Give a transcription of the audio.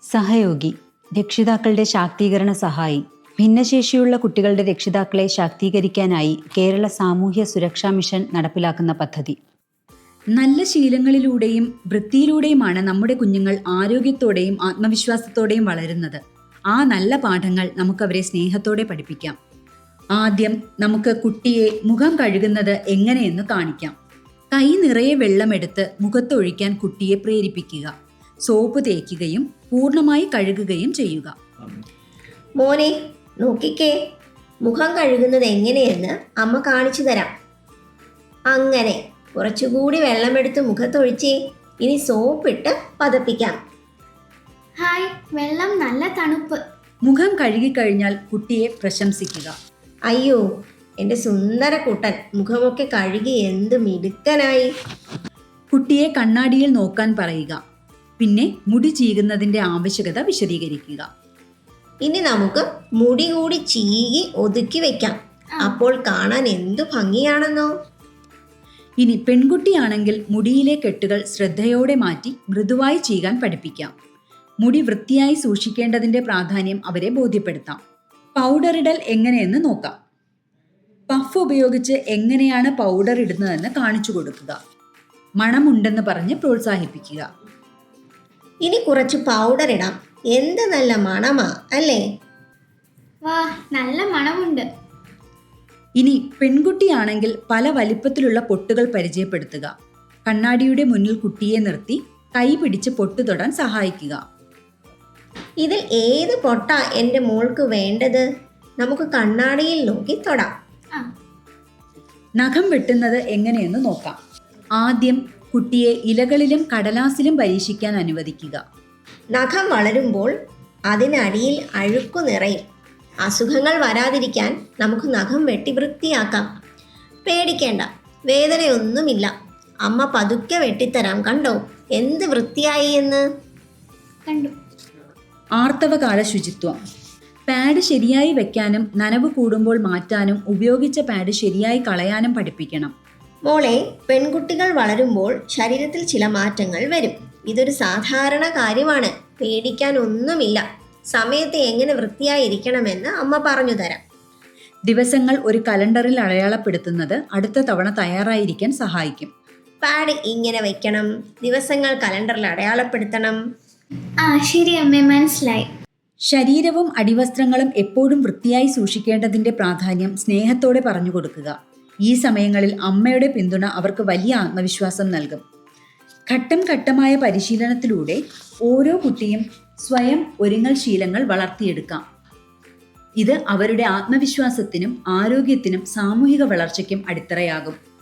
സഹയോഗി, രക്ഷിതാക്കളുടെ ശാക്തീകരണ സഹായി. ഭിന്നശേഷിയുള്ള കുട്ടികളുടെ രക്ഷിതാക്കളെ ശാക്തീകരിക്കാനായി കേരള സാമൂഹ്യ സുരക്ഷാ മിഷൻ നടപ്പിലാക്കുന്ന പദ്ധതി. നല്ല ശീലങ്ങളിലൂടെയും വൃത്തിയിലൂടെയുമാണ് നമ്മുടെ കുഞ്ഞുങ്ങൾ ആരോഗ്യത്തോടെയും ആത്മവിശ്വാസത്തോടെയും വളരുന്നത്. ആ നല്ല പാഠങ്ങൾ നമുക്കവരെ സ്നേഹത്തോടെ പഠിപ്പിക്കാം. ആദ്യം നമുക്ക് കുട്ടിയെ മുഖം കഴുകുന്നത് എങ്ങനെയെന്ന് കാണിക്കാം. കൈ നിറയെ വെള്ളമെടുത്ത് മുഖത്തൊഴിക്കാൻ കുട്ടിയെ പ്രേരിപ്പിക്കുക. സോപ്പ് തേക്കുകയും പൂർണ്ണമായി കഴുകുകയും ചെയ്യുക. മോനെ, നോക്കിക്കേ, മുഖം കഴുകുന്നത് എങ്ങനെയെന്ന് അമ്മ കാണിച്ചു തരാം. അങ്ങനെ കുറച്ചുകൂടി വെള്ളമെടുത്ത് മുഖത്തൊഴിച്ചേ. ഇനി സോപ്പിട്ട് പതപ്പിക്കാം. ഹായ്, വെള്ളം നല്ല തണുപ്പ്. മുഖം കഴുകിക്കഴിഞ്ഞാൽ കുട്ടിയെ പ്രശംസിക്കുക. അയ്യോ, എൻ്റെ സുന്ദര കുട്ടൻ മുഖമൊക്കെ കഴുകി എന്ത് മിടുക്കനായി. കുട്ടിയെ കണ്ണാടിയിൽ നോക്കാൻ പറയുക. പിന്നെ മുടി ചീകുന്നതിന്റെ ആവശ്യകത വിശദീകരിക്കുക. ഇനി നമുക്ക് മുടി കൂടി ചീകി ഒതുക്കി വെക്കാം. അപ്പോൾ കാണാൻ എന്തു ഭംഗിയാണെന്നോ. ഇനി പെൺകുട്ടിയാണെങ്കിൽ മുടിയിലെ കെട്ടുകൾ ശ്രദ്ധയോടെ മാറ്റി മൃദുവായി ചീകാൻ പഠിപ്പിക്കാം. മുടി വൃത്തിയായി സൂക്ഷിക്കേണ്ടതിന്റെ പ്രാധാന്യം അവരെ ബോധ്യപ്പെടുത്താം. പൗഡർ ഇടൽ എങ്ങനെയെന്ന് നോക്കാം. പഫ് ഉപയോഗിച്ച് എങ്ങനെയാണ് പൗഡർ ഇടുന്നതെന്ന് കാണിച്ചു കൊടുക്കുക. മണമുണ്ടെന്ന് പറഞ്ഞ് പ്രോത്സാഹിപ്പിക്കുക. ഇനി കുറച്ച് പൗഡർ ഇടാം. എന്ത് നല്ല മണമാ അല്ലേ? വാ, നല്ല മണമുണ്ട്. ഇനി പെൺകുട്ടിയാണെങ്കിൽ പല വലിപ്പത്തിലുള്ള പൊട്ടുകൾ പരിചയപ്പെടുത്തുക. കണ്ണാടിയുടെ മുന്നിൽ കുട്ടിയെ നിർത്തി കൈ പിടിച്ച് പൊട്ടു തൊടാൻ സഹായിക്കുക. ഇതിൽ ഏത് പൊട്ടാ എൻ്റെ മോൾക്ക് വേണ്ടത്? നമുക്ക് കണ്ണാടിയിൽ നോക്കി തൊടാം. നഖം വെട്ടുന്നത് എങ്ങനെയെന്ന് നോക്കാം. ആദ്യം കുട്ടിയെ ഇലകളിലും കടലാസിലും പരീക്ഷിക്കാൻ അനുവദിക്കുക. നഖം വളരുമ്പോൾ അതിനടിയിൽ അഴുക്കു നിറയും. അസുഖങ്ങൾ വരാതിരിക്കാൻ നമുക്ക് നഖം വെട്ടി വൃത്തിയാക്കാം. പേടിക്കേണ്ട, വേദനയൊന്നുമില്ല. അമ്മ പതുക്കെ വെട്ടിത്തരാം. കണ്ടോ എന്ത് വൃത്തിയായി എന്ന്? കണ്ടു. ആർത്തവകാല ശുചിത്വം. പാഡ് ശരിയായി വെക്കാനും നനവ് കൂടുമ്പോൾ മാറ്റാനും ഉപയോഗിച്ച പാഡ് ശരിയായി കളയാനും പഠിപ്പിക്കണം. മോളെ, പെൺകുട്ടികൾ വളരുമ്പോൾ ശരീരത്തിൽ ചില മാറ്റങ്ങൾ വരും. ഇതൊരു സാധാരണ കാര്യമാണ്. പേടിക്കാൻ ഒന്നുമില്ല. സമയത്ത് എങ്ങനെ വൃത്തിയായിരിക്കണമെന്ന് അമ്മ പറഞ്ഞു തരാം. ദിവസങ്ങൾ ഒരു കലണ്ടറിൽ അടയാളപ്പെടുത്തുന്നത് അടുത്ത തവണ തയ്യാറായിരിക്കാൻ സഹായിക്കും. പാഡ് ഇങ്ങനെ വെക്കണം, ദിവസങ്ങൾ കലണ്ടറിൽ അടയാളപ്പെടുത്തണം. ശരി അമ്മേ, മനസ്സിലായി. ശരീരവും അടിവസ്ത്രങ്ങളും എപ്പോഴും വൃത്തിയായി സൂക്ഷിക്കേണ്ടതിന്റെ പ്രാധാന്യം സ്നേഹത്തോടെ പറഞ്ഞു കൊടുക്കുക. ഈ സമയങ്ങളിൽ അമ്മയുടെ പിന്തുണ അവർക്ക് വലിയ ആത്മവിശ്വാസം നൽകും. ഘട്ടം ഘട്ടമായ പരിശീലനത്തിലൂടെ ഓരോ കുട്ടിയും സ്വയം ഒരുങ്ങൽ ശീലങ്ങൾ വളർത്തിയെടുക്കാം. ഇത് അവരുടെ ആത്മവിശ്വാസത്തിനും ആരോഗ്യത്തിനും സാമൂഹിക വളർച്ചയ്ക്കും അടിത്തറയാകും.